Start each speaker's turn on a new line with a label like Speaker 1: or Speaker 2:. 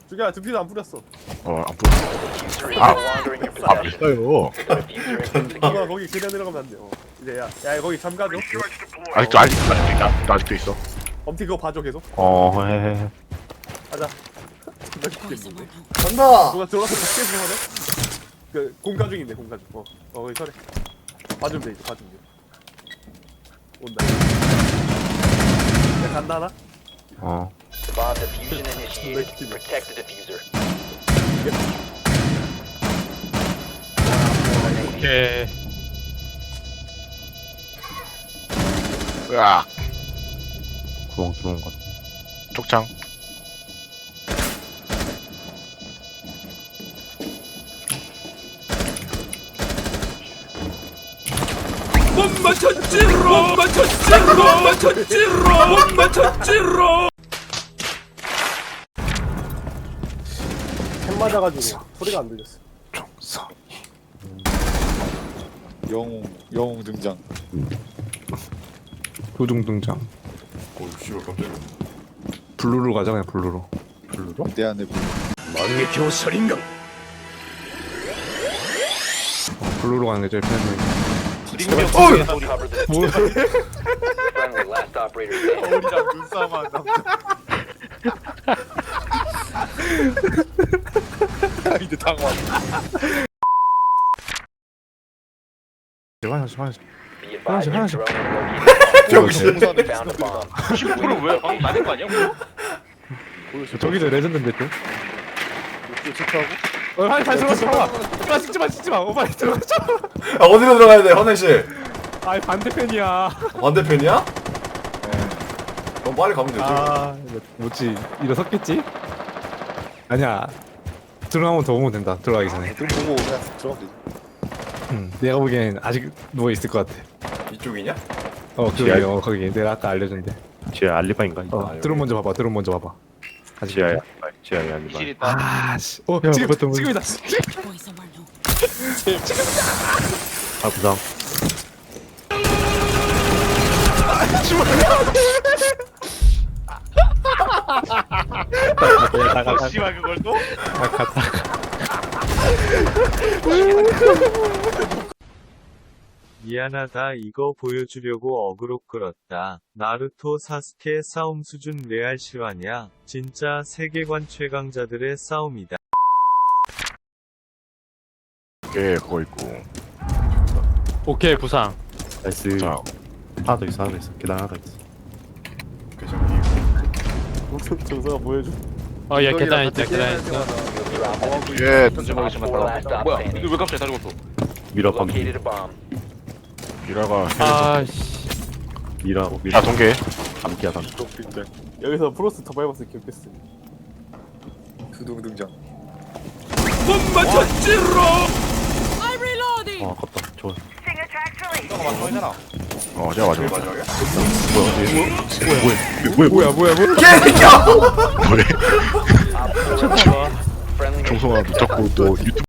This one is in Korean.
Speaker 1: 죽여. 등피도 안 뿌렸어.
Speaker 2: 안 보여. 됐어요.
Speaker 1: 누가 거기 그냥 들어가면 안 돼. 이제 야 거기 잠가줘.
Speaker 2: 아직도 있어.
Speaker 1: 엄티 그거 봐줘 계속.
Speaker 2: 해.
Speaker 1: 가자. 존나 죽겠는데.
Speaker 3: 간다.
Speaker 1: 누가 들어가서 밖에서 하네? 그 공가 중인데 공가 중. 거기 서래. 봐주면 돼 이제 봐주면 돼. 온다. 야 간다 하나?
Speaker 4: Bomb diffusion initiated. Protect the diffuser.
Speaker 2: 오케이. 으악.
Speaker 5: 구멍 들어온 것 같아.
Speaker 2: 촉창.
Speaker 1: 캔 맞아가지고 소리가 안 들렸어.
Speaker 2: 총성.
Speaker 6: 영웅 등장.
Speaker 5: 도중 등장.
Speaker 6: 오 씨발 깜짝이야.
Speaker 5: 블루로 가자 그냥 블루로.
Speaker 6: 블루로? 내 안에 블루.
Speaker 5: 블루로 가는 게 제일 편해.
Speaker 4: Cover the friendly last operator standing.
Speaker 6: 우리랑 눈싸움 한다. 이제 당황.
Speaker 5: 화장실.
Speaker 4: Be advised your
Speaker 5: 하나씩.
Speaker 4: drone has located
Speaker 6: 병신.
Speaker 4: found a bomb.
Speaker 7: 이거는 왜 방금 맞은 거 아니야?
Speaker 5: 저기도 레전드인데 또.
Speaker 6: 체크하고.
Speaker 5: 빨리 들어가. 찍지 마. 빨리 들어가.
Speaker 3: 아, 어디로 들어가야 돼, 화장실?
Speaker 5: 아 반대편이야.
Speaker 3: 반대편이야? 그럼 빨리 가면 되지.
Speaker 5: 뭐지? 일어섰겠지? 아니야. 들어가면 더 오면 된다. 들어가기 전에.
Speaker 6: 눈 보고 그냥 들어가면 되지.
Speaker 5: 내가 보기엔 아직 누워 있을 것 같아.
Speaker 3: 이쪽이냐?
Speaker 5: 거기 내가 아까 알려준데.
Speaker 2: 지하 알리바인가?
Speaker 5: 드론 먼저 봐봐.
Speaker 2: 지하야 알리바.
Speaker 7: 실 있다.
Speaker 5: 아씨. 지금이다.
Speaker 2: 부상.
Speaker 7: 씨발 그걸 또?
Speaker 8: 미안하다 이거 보여주려고 어그로 끌었다. 나루토 사스케 싸움 수준 레알 실화냐? 진짜 세계관 최강자들의 싸움이다.
Speaker 2: 예, 그거 있고.
Speaker 7: 오케이 부상.
Speaker 5: 나이스.
Speaker 2: 자,
Speaker 5: 하나 더 있어. 계단 하나 더 있어.
Speaker 1: 정서가 보여줘.
Speaker 7: 어얘 계단 있다 계단 있어.
Speaker 2: 예,
Speaker 4: Op 4 last stop
Speaker 7: 뭐야?
Speaker 4: standing.
Speaker 7: 근데 왜 갑자기 다리 걷어?
Speaker 5: 미러
Speaker 4: Located a bomb.
Speaker 2: 미라가
Speaker 7: 아씨.
Speaker 5: 미러.
Speaker 2: 아 동계.
Speaker 5: 감기야 감.
Speaker 6: 빈대.
Speaker 1: 여기서 프로스 더 밟았을 때 기억했어.
Speaker 6: 두둥 등장.
Speaker 5: 아깝다. 좋아.
Speaker 7: 너가 마지막이잖아.
Speaker 2: 제가 맞아.
Speaker 5: 뭐야?
Speaker 2: 뭐래?
Speaker 4: Op 4
Speaker 7: 잠깐만.
Speaker 4: friendly
Speaker 2: 정성아, 너 자꾸 너 유튜브